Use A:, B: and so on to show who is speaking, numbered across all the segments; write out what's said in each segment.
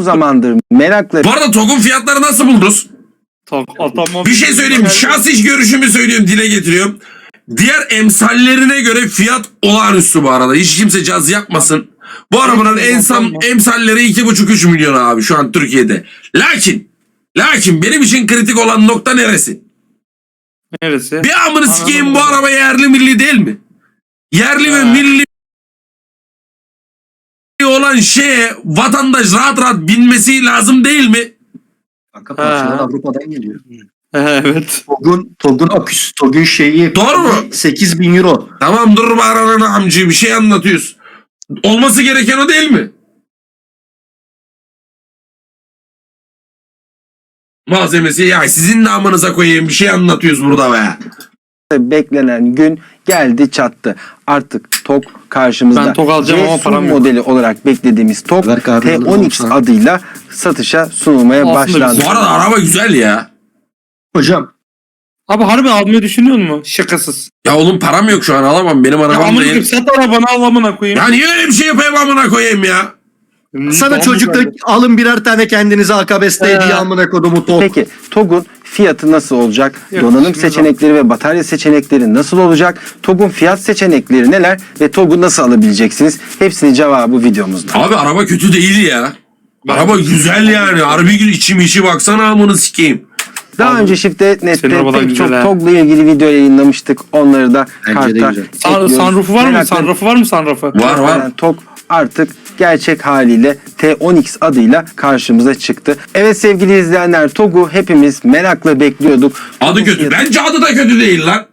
A: zamandır merakla...
B: Bu arada TOG'un fiyatları nasıl buldunuz? Bir şey söyleyeyim. Şahsi görüşümü söylüyorum, dile getiriyorum. Diğer emsallerine göre fiyat olağanüstü bu arada. Hiç kimse caz yapmasın. Bu arabanın emsalleri 2,5-3 milyon abi şu an Türkiye'de. Lakin benim için kritik olan nokta neresi?
C: Neresi?
B: Bir amını sikeyim, bu araba yerli milli değil mi? Yerli ve milli olan şeye vatandaş rahat rahat binmesi lazım değil mi?
D: Kanka parçalar Avrupa'dan geliyor.
C: Evet.
D: TOG'un aküsü, TOG'un şeyi.
B: Doğru mu?
D: 8.000 euro.
B: Tamam, dur bağırana amcı, bir şey anlatıyoruz. Olması gereken o değil mi? Malzemesi ya, sizin de amınıza koyayım, bir şey anlatıyoruz burada be.
A: Beklenen gün geldi çattı. Artık TOG karşımızda.
C: Ben TOG alacağım ama
A: C
C: param yok.
A: modeli olarak beklediğimiz TOG
D: Ver kahve
A: T10X
D: alalım
A: adıyla satışa sunulmaya
C: Aslında
A: başlandı.
B: Bu arada araba güzel ya.
D: Hocam
C: Abi harbi almayı düşünüyor musun? Şakasız.
B: Ya oğlum, param yok şu an, alamam, benim
C: Ya
B: arabam
C: amına
B: değil.
C: koyayım, sat arabanı al amına koyayım.
B: Ya niye öyle bir şey yapayım amına koyayım ya?
D: sana
C: Tamam,
D: çocukta
C: güzel.
D: alın birer tane kendinize akabeste hediye amına kodumu TOG.
A: Peki TOG'un fiyatı nasıl olacak?
C: Yok,
A: Donanım
C: şimdi
A: seçenekleri ve batarya seçenekleri nasıl olacak? TOG'un fiyat seçenekleri neler ve TOG'u nasıl alabileceksiniz? Hepsinin cevabı videomuzda.
B: Abi araba kötü değil ya. Araba güzel yani. Harbi içi baksana amını sikeyim.
A: Daha
C: Abi,
A: önce Shift'te
C: senin
A: Net'te
C: arabadan
A: pek çok
C: güzel ha.
A: TOG'la ilgili video yayınlamıştık. Onları da
D: Bence de
A: karta
D: güzel.
A: ekliyoruz.
C: Sunroof'u var mı?
A: Merakla-
C: Sunroof'u var mı sunroof'u?
B: Var.
A: Yani TOG artık gerçek haliyle T10X adıyla karşımıza çıktı. Evet sevgili izleyenler, TOG'u hepimiz merakla bekliyorduk.
B: Adı kötü. Bence adı da kötü değil lan.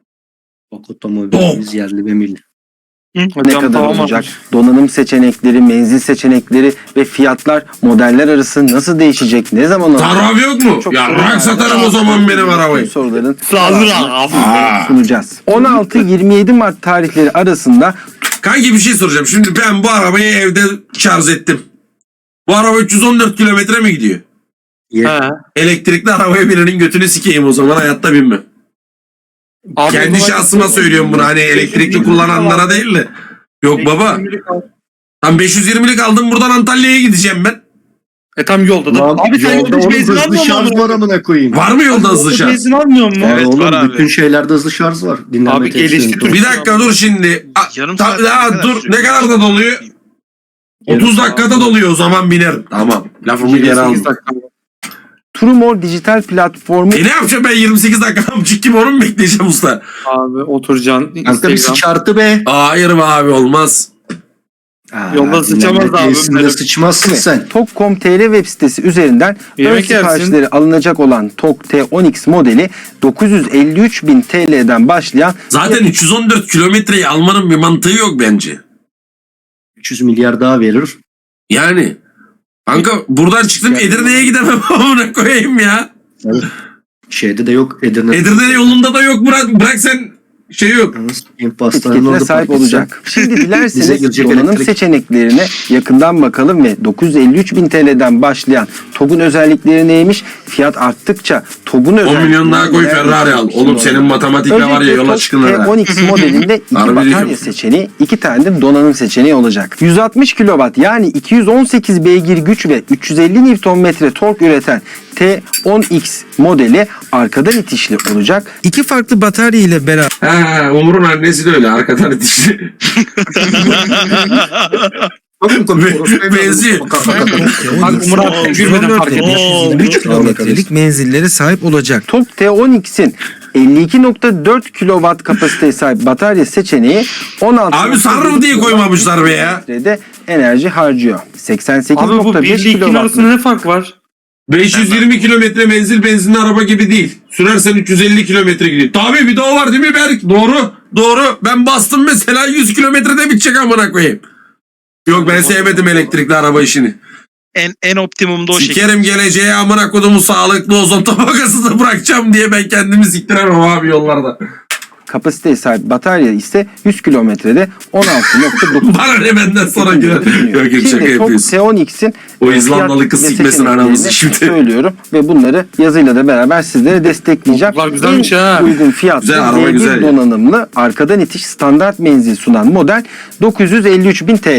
D: TOG otomobilimiz yerli ve milli.
A: Ne
C: Hocam,
A: kadar
C: tamam
A: olacak?
C: abi.
A: Donanım seçenekleri, menzil seçenekleri ve fiyatlar modeller arası nasıl değişecek? Ne zaman alacak?
B: Taraf yok mu?
A: Çok
B: Ya
A: soru
B: bırak
A: var.
B: satarım o zaman benim arabayı.
A: Bu soruların
C: Hazır abi.
A: sunacağız. 16-27 Mart tarihleri arasında
B: Kanki bir şey soracağım. Şimdi ben bu arabayı evde şarj ettim. Bu araba 314 kilometre mi gidiyor?
C: He.
B: Elektrikli arabaya birinin götünü sikeyim o zaman, hayatta binmem.
C: Abi,
B: Kendi
C: o zaman-
B: şahsıma söylüyorum bunu, hani elektrikli kullananlara değil de. Yok baba. Tam 520'lik aldım, buradan Antalya'ya gideceğim ben.
C: Tam yolda da.
D: Lan,
C: Abi sen
D: yolda
C: yolda hiç
D: oğlum
C: benzin
D: hızlı
C: almıyor
D: şarj
C: musun?
D: var amına koyayım.
B: Var mı yolda hızlı şarj?
C: Benzin almıyor mu?
D: Var
E: Evet,
D: oğlum,
E: var abi.
D: bütün şeylerde hızlı şarj var. Dinlenme
C: Abi,
D: tesislerinde.
C: gelişti
B: Bir dakika dur şimdi.
E: Yarım saat
B: Dur, ne kadar da doluyor? 30 dakikada doluyor, o zaman binerim. Tamam. Lafımı geri aldım.
C: 28 dakika.
A: Trumor dijital platformu
B: Ne yapacağım ben 28 dakika amcık gibi, onu mu bekleyeceğim usta?
C: Abi oturacaksın.
D: Kanka bir
C: Instagram.
D: sıçartı be.
B: Hayır be abi, olmaz.
C: Yolda sıçamaz
D: dinlenme
C: abi,
D: tesisinde
C: benim.
D: sıçmazsın sen.
A: TOG.com.tr web sitesi üzerinden ön
C: Yemek yersin.
A: siparişleri alınacak olan TOG T10X modeli 953.000 TL'den başlayan
B: Zaten 314 kilometreyi almanın bir mantığı yok bence.
D: 300 milyar daha verir.
B: Yani. Kanka buradan çıktım, Edirne'ye gidemem amına koyayım ya.
D: Şeyde de yok. Edirne.
B: Edirne yolunda da yok, bırak sen şey yok.
D: Pastanın
A: etiketine
D: orada
A: sahip
D: park etsen.
A: olacak. Şimdi
D: Bize
A: dilerseniz
D: girecek
A: donanım
D: elektrik.
A: seçeneklerine yakından bakalım ve 953.000 TL'den başlayan TOG'un özellikleri neymiş? Fiyat arttıkça TOG'un
B: 10
A: özellikleri
B: milyon daha koy,
A: neler?
B: Ferrari al. Oğlum senin matematikle var ya,
A: Öncelikle
B: yola
A: TOG
B: çıkın ha.
A: T10X modelinde 2
B: Harbi
A: batarya
B: diyorum.
A: seçeneği, 2 tane de donanım seçeneği olacak. 160 kW yani 218 beygir güç ve 350 Nm tork üreten T10X modeli arkadan itişli olacak. İki farklı batarya ile beraber
B: Ha, Umur'un annesi de öyle, arkadan itişli. Benziyor.
C: Bak Murat gülmeden fark ediyor.
A: 3 kilometrelik menzillere sahip olacak. TOG T10X'in 52.4 kW kapasiteye sahip batarya seçeneği 16
B: Abi sarrım diye koymamışlar be ya.
A: de enerji harcıyor.
C: Abi bu 1
A: 88.5
C: ile 2'nin
A: kW.
C: arasında ne fark var?
B: 520 kilometre menzil benzinli araba gibi değil. Sürersen 350 kilometre gidiyor. Tabii bir de o var değil mi Berk? Doğru. Ben bastım mesela 100 kilometrede bitecek amına koyayım. Yok, ben sevmedim elektrikli araba işini.
E: En optimumda o şekilde.
B: Sikerim geleceğe amına kodumu, sağlıklı ozon tabakasını bırakacağım diye ben kendimi siktiremem abi yollarda.
A: Kapasiteye sahip batarya ise 100 kilometrede 16.9
B: Bana ne benden sonra girer. Yok şaka
A: Şimdi TOG
B: yapıyorsun.
A: T10X'in
B: O İzlandalı kız
A: fiyat ve
B: sikmesin aramızı
A: seçeneklerini
B: şimdi.
A: söylüyorum ve bunları yazıyla da beraber sizlere destekleyeceğim.
C: Bunlar güzelmiş
A: En
C: ha.
A: uygun fiyatlı
B: Güzel, araba güzel
A: V1
B: ya.
A: donanımlı arkadan itiş standart menzil sunan model 953.000 TL.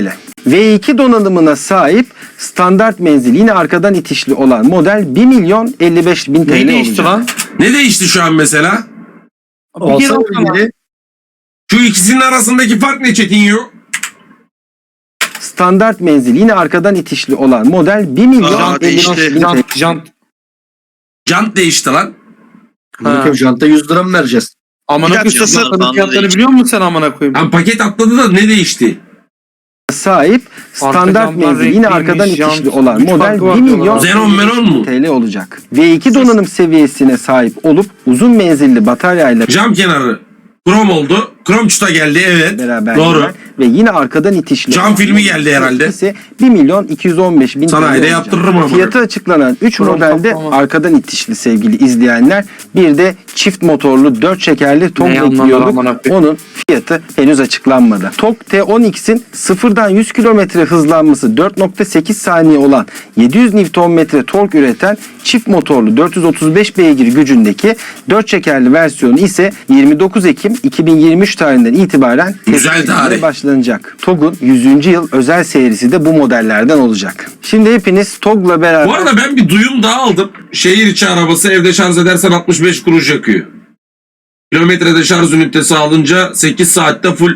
A: V2 donanımına sahip standart menzil yine arkadan itişli olan model 1.055.000 TL
C: Ne değişti
A: olacak.
C: lan?
B: Ne değişti şu an mesela?
D: Alsana bilgileri.
B: Şu ikisinin arasındaki fark ne Çetinyo?
A: Standart menzil yine arkadan itişli olan model
E: Aa,
A: 1.055.000
E: değişti.
A: TL.
C: Jant.
B: Jant değişti lan.
D: Bakayım janta 100 lira mı vereceğiz?
C: Amına
E: Bir dakika,
C: koyayım.
E: sen-
C: Jantların fiyatlarını biliyor musun sen amına koyayım?
B: Lan paket atladı da ne değişti?
A: Sahip standart
C: jantlar
A: menzil yine
C: renkliymiş,
A: arkadan
C: jant,
A: itişli olan
C: güç
A: model
C: farkı var
A: 1
C: diyorlar.
A: milyon
B: Xenon Menon mu?
A: TL olacak. V2 donanım seviyesine sahip olup uzun menzilli bataryayla
B: Cam kenarı krom oldu. Krom çuta geldi evet.
A: beraber
B: Doğru.
A: gelen ve yine arkadan itişli
B: Cam
A: olan
B: filmi
A: model
B: geldi herhalde.
A: ise 1.215.000 TL
B: Sanayide
A: olacak.
B: yaptırırım ama.
A: Fiyatı açıklanan 3
C: Krom
A: modelde
C: kaplama.
A: arkadan itişli sevgili izleyenler. Bir de çift motorlu 4 çekerli TOG
C: Ne anlamlar
A: ekliyorduk.
C: amına koyayım?
A: Onun fiyatı henüz açıklanmadı. TOG T10X'in sıfırdan 100 km hızlanması 4.8 saniye olan 700 Nm tork üreten çift motorlu 435 beygir gücündeki 4 çekerli versiyonu ise 29 Ekim 2023 tarihinden itibaren
B: Güzel
A: test
B: tarih.
A: edilmeye başlanacak. TOG'un 100. yıl özel serisi de bu modellerden olacak. Şimdi hepiniz TOG'la beraber
B: Bu arada ben bir duyum daha aldım. Şehir içi arabası evde şarj edersen 65 kuruş yakıyor. Kilometrede şarj ünitesi alınca 8 saatte full.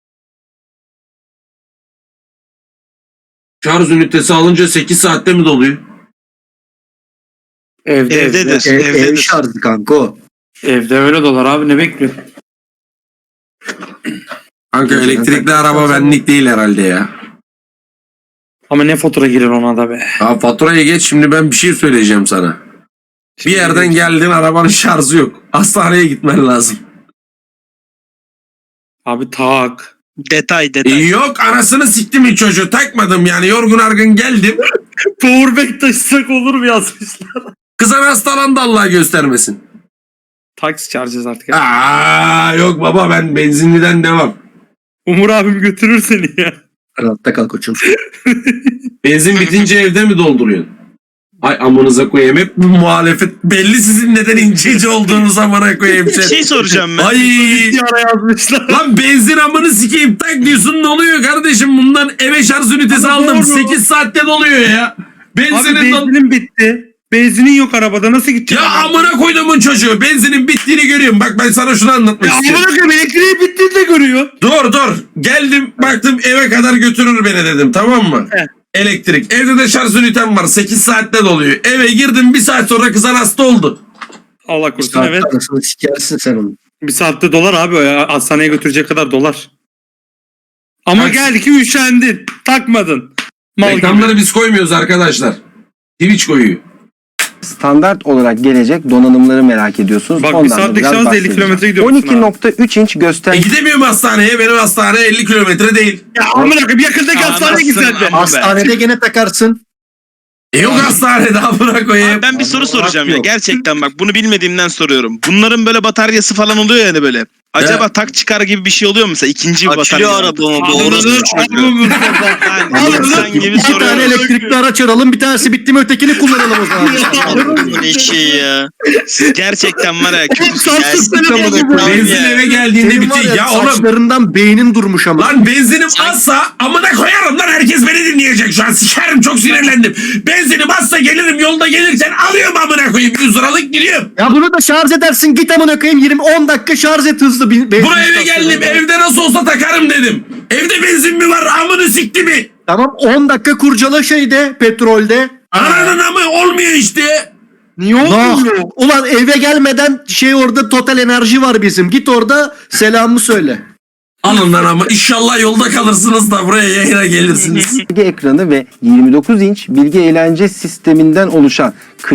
B: Şarj ünitesi alınca 8 saatte mi doluyor?
C: Evde
E: Evdedir.
D: Ev
E: Evdedir.
D: şarjı kanka o.
C: Evde öyle dolar abi ne bekliyor?
B: Kanka elektrikli araba benlik değil herhalde ya.
C: Ama ne fatura girer ona da be.
B: Ya faturaya geç şimdi ben bir şey söyleyeceğim sana. Bir yerden geldin arabanın şarjı yok. Hastaneye gitmen lazım.
C: Abi tak.
E: Detay detay.
B: Yok anasını siktim çocuğu takmadım yani yorgun argın geldim.
C: Powerbank taşısak olur mu yazmışlar.
B: Kızan hastalandı Allah göstermesin.
C: Taksi çağıracağız artık.
B: Yok baba ben benzinliden devam.
C: Umur abim götürür seni ya.
D: Rahatta kal koçum.
B: Benzin bitince evde mi dolduruyorsun? Ay amınıza koyayım hep bu muhalefet. Belli sizin neden inceci olduğunuz amına koyayım.
E: Bir şey soracağım ben.
B: Ay
C: Ara yazmışlar.
B: lan benzin amını sikeyim tak diyorsun ne oluyor kardeşim bundan eve şarj ünitesi
C: Ama
B: aldım
C: doğru.
B: 8 saatte doluyor ya.
C: Abi
B: Benzinin
C: benzinin bitti. Benzinin yok arabada nasıl gidecek?
B: ya amına koyduğumun çocuğu benzinin bittiğini görüyorum. Bak ben sana şunu anlatmak
C: Ya
B: istiyorum.
C: amına koyayım elektriği bittiğini de görüyor.
B: Dur. Geldim baktım eve kadar götürür beni dedim tamam mı?
C: He.
B: Elektrik. Evde de şarj ünitem var 8 saatte doluyor. Eve girdim 1 saat sonra kızan hasta oldu.
C: Allah korusun evet.
D: Arasını sikersin sen onu.
C: Bir saatte dolar abi o ya. Hastaneye götürecek kadar dolar. Ama
B: Taksi.
C: geldi ki üşendin. Takmadın. Mal gibi.
B: Reklamları biz koymuyoruz arkadaşlar. Twitch koyuyor.
A: standart olarak gelecek donanımları merak ediyorsunuz.
C: Bak, bir
A: Ondan da
C: saatlik
A: biraz
C: şarjla 50
A: bahsedeceğim.
C: kilometre gidiyorsun
A: 12.3 inç gösterge
B: Gidemiyorum hastaneye. Benim hastane 50 kilometre değil.
C: Ya amına koyayım yakındaki hastaneye git sen de.
E: Ama
D: Hastanede gene takarsın.
B: Yok hastanede amına koyayım.
E: Abi ben bir soru soracağım ya.
D: yok.
E: Gerçekten bak bunu bilmediğimden soruyorum. Bunların böyle bataryası falan oluyor yani böyle. Acaba tak çıkar gibi bir şey oluyor mu mesela? İkinci bir batarya.
F: Açılıyor arabamı bu orası çocuğu.
E: Yani insan gibi
D: İki tane
E: soruyorum.
D: elektrikli araç aralım. Bir tanesi bitti mi ötekini kullanalım o zaman.
F: Adamın eşi ya.
E: Siz gerçekten var ya.
C: Sansız
F: Gelsin.
C: telefonu bu.
B: Benzin eve geldiğinde
D: Senin var
B: bitiyor. Ya oğlum.
D: saçlarından beynin durmuş ama.
B: Lan benzinim azsa amına koyarım lan herkes beni dinleyecek şu an. Sikerim çok sinirlendim. Benzinim azsa gelirim yolda gelirken alıyorum amına koyayım 100 liralık gidiyorum.
D: Ya bunu da şarj edersin. Git amına koyayım 20-10 dakika şarj et hızlı.
B: Buraya eve geldim evde nasıl olsa takarım dedim. Evde benzin mi var amını sikti mi?
D: Tamam 10 dakika kurcala şeyde petrolde.
B: Ananın amı olmuyor işte.
C: Niye
D: Nah.
C: olmuyor?
D: Ulan eve gelmeden orada Total Enerji var bizim. Git orada selamımı söyle.
B: Alın lan ama inşallah yolda kalırsınız da buraya yayına gelirsiniz.
A: ekranı ve 29 inç bilgi eğlence sisteminden oluşan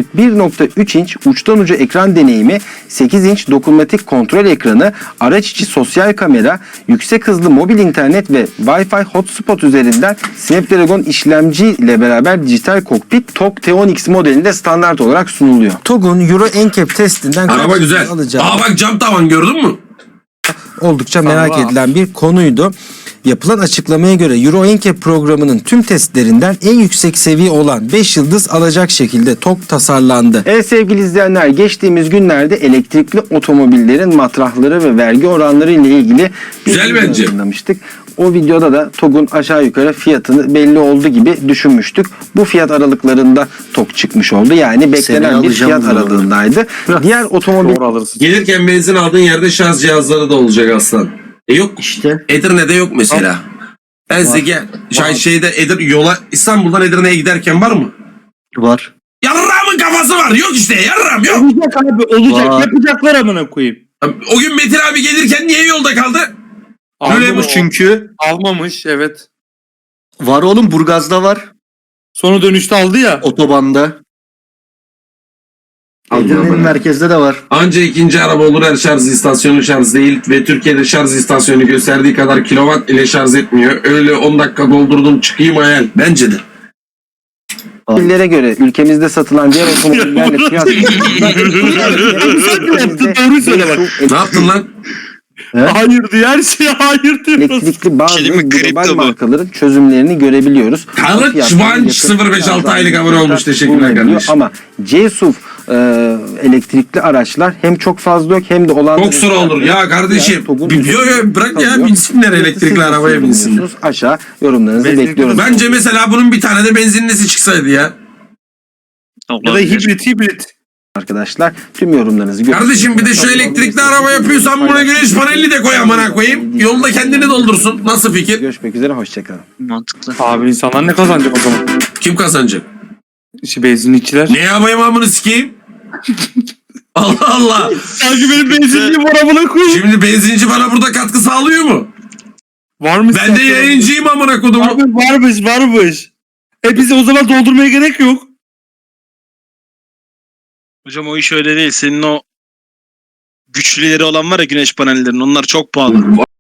A: 41.3 inç uçtan uca ekran deneyimi, 8 inç dokunmatik kontrol ekranı, araç içi sosyal kamera, yüksek hızlı mobil internet ve Wi-Fi hotspot üzerinden Snapdragon işlemci ile beraber dijital kokpit TOG T10X modelinde standart olarak sunuluyor. TOG'un Euro NCAP testinden
B: Araba güzel. Aa bak cam tavan gördün mü?
A: oldukça merak
C: Allah.
A: edilen bir konuydu. Yapılan açıklamaya göre Euro NCAP programının tüm testlerinden en yüksek seviye olan 5 yıldız alacak şekilde TOG tasarlandı. Evet sevgili izleyenler, geçtiğimiz günlerde elektrikli otomobillerin matrahları ve vergi oranları ile ilgili bir
B: Güzel
A: video
B: bence.
A: yayınlamıştık. O videoda da TOG'un aşağı yukarı fiyatını belli oldu gibi düşünmüştük. Bu fiyat aralıklarında TOG çıkmış oldu. Yani beklenen
D: Seneye
A: bir
D: alacağım
A: fiyat
D: bunu.
A: aralığındaydı. Diğer otomobil
C: Doğru alırsın.
B: Gelirken benzin aldığın yerde şarj cihazları da olacak aslan. Yok.
D: İşte
B: Edirne'de yok mesela. Ben size gel. Şeyde yola İstanbul'dan Edirne'ye giderken var mı?
D: var.
B: Yarramın kafası var. Yok işte yarram yok.
C: Olacak abi olacak.
D: Var.
C: Yapacaklar amına koyayım.
B: O gün Metin abi gelirken niye yolda kaldı?
D: Almamış çünkü.
C: Almamış evet.
D: Var oğlum, Burgaz'da var.
C: Sonra dönüşte aldı ya.
D: Otobanda. Edirne'nin merkezde de var.
B: Anca ikinci araba olur, her şarj istasyonu şarj değil ve Türkiye'de şarj istasyonu gösterdiği kadar kilowatt ile şarj etmiyor. Öyle 10 dakika doldurdum çıkayım hayal. Bence de.
A: Ülkelere göre ülkemizde satılan diğer otomobillerle fiyat
C: Doğru söyle bak.
B: Ne yaptın lan?
C: Hayır diyor her şeye hayır diyoruz.
A: elektrikli bazı
F: Şey değil mi?
A: global
F: Kripto bu.
A: markaların çözümlerini görebiliyoruz.
B: Kılıç
A: Fiyatları
B: Vanç
A: yakın
B: 056 aylık abone olmuş. Teşekkürler
A: bulunabiliyor.
B: kardeşim.
A: Ama C-SUV elektrikli araçlar hem çok fazla yok hem de olan
B: Çok sıra olur. Ya kardeşim.
A: TOG'un
B: Bırak ya binsinler elektrikli arabaya binsinler.
A: Aşağı yorumlarınızı
C: Benzinli
A: bekliyoruz.
B: Bence mesela bunun bir tane de benzinlisi çıksaydı ya.
C: Ya da hibrit.
A: Arkadaşlar tüm yorumlarınızı
B: Kardeşim bir de şu elektrikli araba yapıyorsan buna güneş paneli de koy amına koyayım. Yolda kendini doldursun. Nasıl fikir?
A: Görüşmek üzere, hoşçakalın.
F: Mantıklı.
C: Abi insanlar ne kazanacak o zaman?
B: Kim kazanacak?
C: İşte benzinlikçiler.
B: Ne yapayım amını sikeyim? Allah Allah.
C: Sanki benim benzinliğim var amına koyayım.
B: Şimdi benzinci bana burada katkı sağlıyor mu?
C: Var mı?
B: Ben de yayıncıyım amına kodumu.
C: Abi varmış. Bize o zaman doldurmaya gerek yok.
E: Hocam o iş öyle değil. Senin o güçlüleri olan var ya güneş panellerinin onlar çok pahalı.